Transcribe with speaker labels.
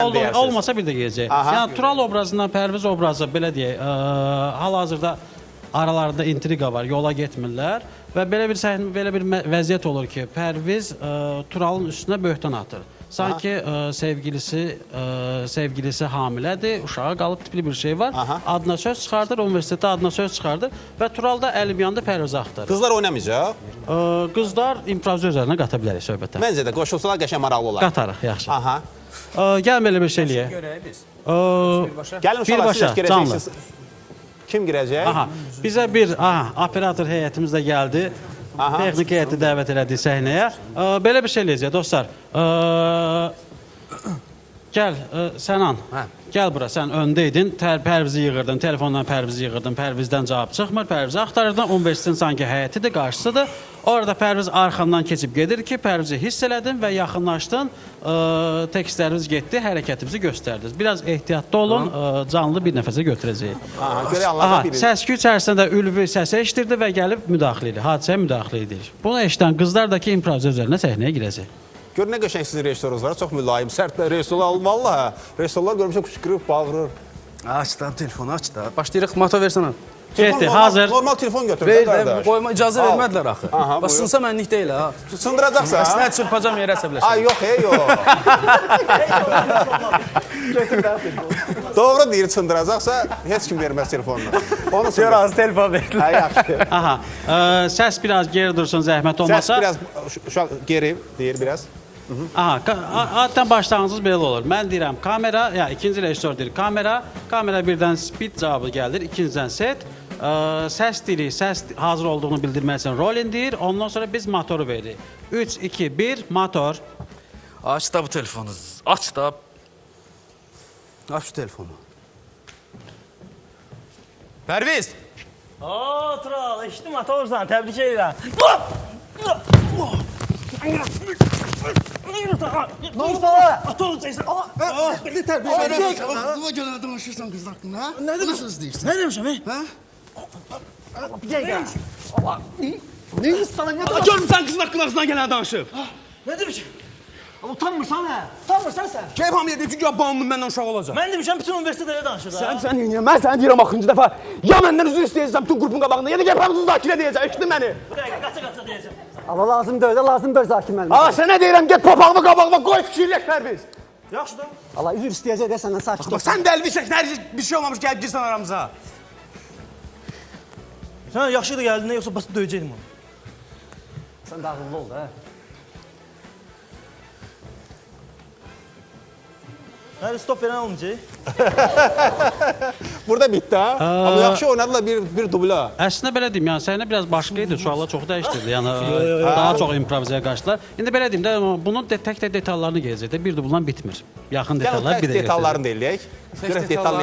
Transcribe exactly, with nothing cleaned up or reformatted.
Speaker 1: Olmasa bir də gələcək. Yəni Tural obrazından Pərviz obrazı belə deyək, hal-hazırda aralarında intriqa var, yola getmirlər və belə bir səhnə, belə bir vəziyyət olur ki, Pərviz Turalın üstünə böhtan atır. Sanki sevgilisi sevgilisi hamilədir, uşağa qalıb tipli bir şey var. Adına söz çıxardır, universitetdə adına söz çıxardır və Tural da əlim yanında Pərvizi axtarır.
Speaker 2: Qızlar oynamayacaq?
Speaker 1: Qızlar improvizə üzərinə qata bilərik söhbətə.
Speaker 2: Məncə də qoşulsalar qəşəng maraqlı olar.
Speaker 1: Qatarıq, yaxşı. Gəlin belə bir şey eləyək.
Speaker 3: Görək biz.
Speaker 2: Gəlin uşaqlar, siz girəcəksiniz. Kim girəcək?
Speaker 1: Bizə bir operator heyətimiz də gəldi. Texnik heyəti dəvət elədik səhnəyə. Belə bir şey eləyəcək, dostlar. Gəl, Sənan, gəl bura, sən öndəydin, Pərvizi yığırdın, telefondan Pərvizi yığırdın, Pərvizdən cavab çıxmır, Pərvizi axtarırdın, universitetin sanki həyətidir, qarşısıdır. Orada Pərviz arxamdan keçib gedir ki, Pərvizi hiss elədin və yaxınlaşdın, tekstlərimiz getdi, hərəkətimizi göstərdiniz. Biraz ehtiyatlı olun, canlı bir nəfəsə götürəcəyik. Səskü içərisində ülvi səsə eşitirdi və gəlib müdaxilə edir, hadisəyə müdaxilə edir. Bunu eşidən qızlar da ki, improvizə üzərinə səhnəyə girəcək.
Speaker 2: Gör nə qəşəng sizin rejissorunuz var, çox mülayim, sərt rejissorlar almalı ha. Rejissorlar görmüşəm qışqırıb, bağırır.
Speaker 3: Aç da, telefonu aç da. Başlayırıq, mato versənə.
Speaker 1: Getdi, hazır.
Speaker 2: Normal telefon götürür, qardaş.
Speaker 3: Qoyma, icazə vermədilər axı. Bax, sınsa mənlik deyil, ha.
Speaker 2: Sındıracaqsa?
Speaker 3: Əslində çırpacam yerə əsəbləşəm.
Speaker 2: Ay, yox, ey, yox. Doğru deyir, sındıracaqsa, heç kim verməz telefonunu. Onu sındır.
Speaker 3: Az telefon verdilər.
Speaker 2: Ay, yaxşı.
Speaker 1: Aha, səs biraz geri dursun, zəhmət olmasa.
Speaker 2: Səs biraz, uşaq geri deyir biraz.
Speaker 1: Aha, adətən başlanğıcınız belə olur. Mən deyirəm kamera, ya ikinci rejissor deyir kamera, kamera birdən speed cavabı gəlir, ikinciden set. Səs dili, səs hazır olduğunu bildirmək üçün rolling deyir. Ondan sonra biz motoru veririk. üç, iki, bir, motor.
Speaker 3: Aç da bu telefonu. Aç da. Aç şu telefonu. Pərviz!
Speaker 4: Ooo Tural, eşitdim motorsan, təbrik edirəm. Ne oldu sana? Atı olacaksın.
Speaker 5: Ne terbiye veriyorsun? Aklıma gelen danışırsan kız hakkında.
Speaker 4: Ne demişsin?
Speaker 5: Nasıl değilsin?
Speaker 4: Ne demişim he?
Speaker 5: Ha?
Speaker 4: Bir dakika.
Speaker 5: Ne sana ne
Speaker 4: Aa, görmüş sen kızın hakkında ağzından gelen danışıp. Ne demişim? Ama utanmırsan ha? Utanmırsan sen.
Speaker 3: Keyif hamile deyib ki, ya bağımlım məndən uşaq olacaq.
Speaker 4: Ben demişim bütün üniversitede öyle danışır.
Speaker 3: Sən, sən yiyəm, mən səni deyirəm axıncı dəfə. Ya məndən üzr istəyəcəm bütün qrupun qabağında, ya da gəlib hamısını Zakirə deyəcəm, eşitdin məni?
Speaker 4: Bir dakika, kaça kaça diyeceğim.
Speaker 6: Allah lazım böyle, lazım böyle Zakir müəllim.
Speaker 3: Aa, sənə deyirəm, get papağımı qabağıma qoy fikirləş Pərviz.
Speaker 4: Yaxşı da.
Speaker 6: Allah üzr istəyəcək də səndən sakit ol.
Speaker 3: Bax, sən dəlmişək, hər bir şey olmamış, gəlib girsən aramıza.
Speaker 4: Sen yaxşı da geldin yoksa basit dövecektim onu.
Speaker 6: Sən dağıllı ol da.
Speaker 4: Nerede stop veren olmayacak?
Speaker 2: Burada bitti ha. Ama yaxşı oynadılar bir, bir dubla.
Speaker 1: Əslində belə deyim, yəni səhnə biraz başqa idi, uşaqlar çox dəyişdirdi. Yəni daha çox improvizaya qaçdılar. İndi belə deyim də, bunun tək-tək detallarını gələcək də, bir dublan bitmir. Yaxın detallar bir də
Speaker 2: Detallarını da eləyək. Görək detallarını.